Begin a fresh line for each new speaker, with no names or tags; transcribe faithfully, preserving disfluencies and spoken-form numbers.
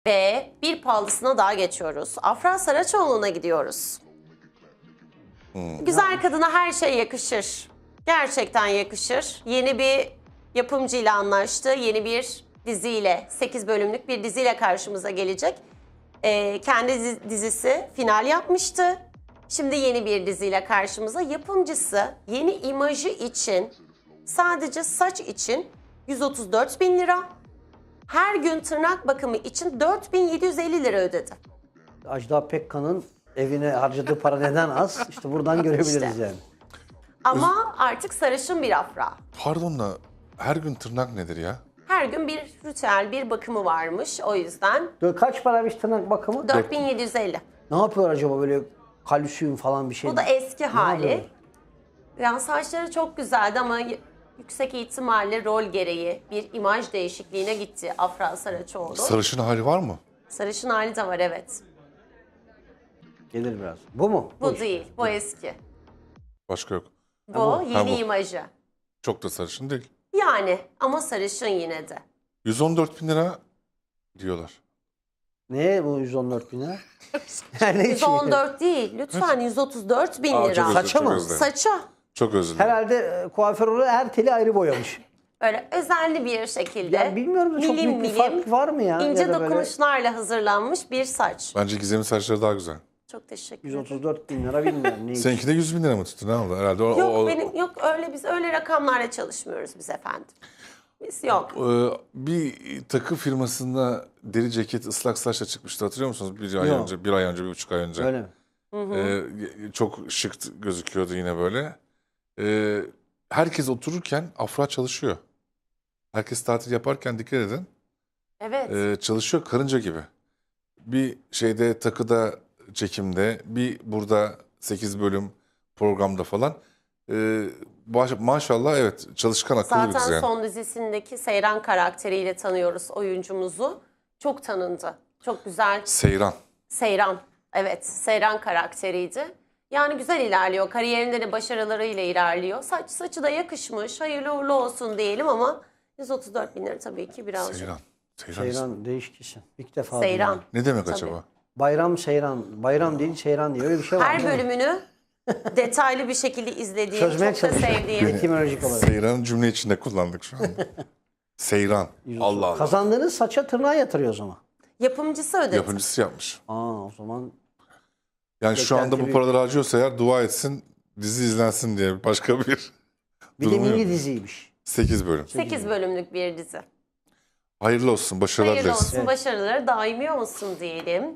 Ve bir pahalısına daha geçiyoruz. Afra Saraçoğlu'na gidiyoruz.
Hmm.
Güzel kadına her şey yakışır. Gerçekten yakışır. Yeni bir yapımcıyla anlaştı. Yeni bir diziyle, sekiz bölümlük bir diziyle karşımıza gelecek. Ee, kendi dizi- dizisi final yapmıştı. Şimdi yeni bir diziyle karşımıza. Yapımcısı yeni imajı için, sadece saç için yüz otuz dört bin lira. Her gün tırnak bakımı için dört bin yedi yüz elli lira ödedi.
Ajda Pekkan'ın evine harcadığı para neden az? İşte buradan görebiliriz
İşte.
yani.
Ama artık sarışın bir Afra.
Pardon da her gün tırnak nedir ya?
Her gün bir ritüel, bir bakımı varmış. O yüzden
Böyle kaç paraymış tırnak bakımı?
dört bin yedi yüz elli.
Ne yapıyor acaba, böyle kalsiyum falan bir şey?
Bu da eski hali.
yapıyor?
Yani saçları çok güzeldi ama y- yüksek ihtimalle rol gereği bir imaj değişikliğine gitti Afra Saraçoğlu.
Sarışın hali var mı?
Sarışın hali de var, evet.
Gelir biraz. Bu mu?
Bu
iş.
değil, bu eski.
Başka yok.
Bu
Ha,
yeni
bu.
imajı.
Çok da sarışın değil.
Yani ama sarışın yine de.
yüz on dört bin lira diyorlar.
Ne bu yüz on dört bin lira? Yani
yüz on dört değil, lütfen yüz otuz dört bin
Aa,
lira.
çok özür-
Saça
çok
mı?
özür dilerim.
Saça.
Çok özür dilerim.
Herhalde e, kuaför olarak her teli ayrı boyamış.
Böyle özenli bir şekilde.
Ya bilmiyorum da çok
milim
büyük bir
milim,
fark var mı ya?
İnce
Ya da böyle
dokunuşlarla hazırlanmış bir saç.
Bence Gizem'in saçları daha güzel.
Çok teşekkür
yüz
ederim.
otuz dört bin lira bilmiyorum. Ne
Seninki de yüz bin lira mı tuttu? Ne oldu? Herhalde o,
Yok
o-
benim yok öyle biz öyle rakamlarla çalışmıyoruz biz efendim. Biz yok.
Ee, bir takı firmasında deri ceket ıslak saçla çıkmıştı, hatırlıyor musunuz? Bir ay
Yok.
önce, bir ay önce, bir buçuk ay önce.
Öyle mi?
Ee, çok şık gözüküyordu yine böyle. Ee, herkes otururken Afra çalışıyor. Herkes tatil yaparken dikkat edin.
Evet.
Ee, çalışıyor karınca gibi. Bir şeyde takıda çekimde, bir burada sekiz bölüm programda falan. Ee, baş- maşallah evet, çalışkan akıllı bir kız
Zaten
yani.
son dizisindeki Seyran karakteriyle tanıyoruz oyuncumuzu. Çok tanındı. Çok güzel.
Seyran.
Seyran. Evet, Seyran karakteriydi. Yani güzel ilerliyor. Kariyerinde de başarılarıyla ilerliyor. Saç saçı da yakışmış. Hayırlı uğurlu olsun diyelim ama yüz otuz dört bin lira tabii ki birazcık.
Seyran. Seyran.
Seyran değişik isim. İlk defa
Seyran.
duydum.
Ne demek
Tabii.
acaba?
Bayram Seyran. Bayram değil Seyran diye öyle bir şey var.
Her
değil mi?
bölümünü detaylı bir şekilde izlediğim,
Çözmeye
çok da
çalışıyorum.
sevdiğim.
Etimolojik olarak.
Seyran'ı cümle içinde kullandık şu anda. Seyran. Allah Allah.
Kazandığınız saça tırnağa yatırıyor o zaman.
Yapımcısı ödedi.
Yapımcısı yapmış.
Aa o zaman
Yani şu anda bu
Beklenti
paraları harcıyorsa eğer dua etsin, dizi izlensin diye başka bir
bir de
durumu
mini
yok.
diziymiş.
sekiz bölüm.
sekiz bölümlük bir dizi.
Hayırlı olsun, başarılar
Hayırlı
dileriz.
olsun, başarıları daimi olsun diyelim.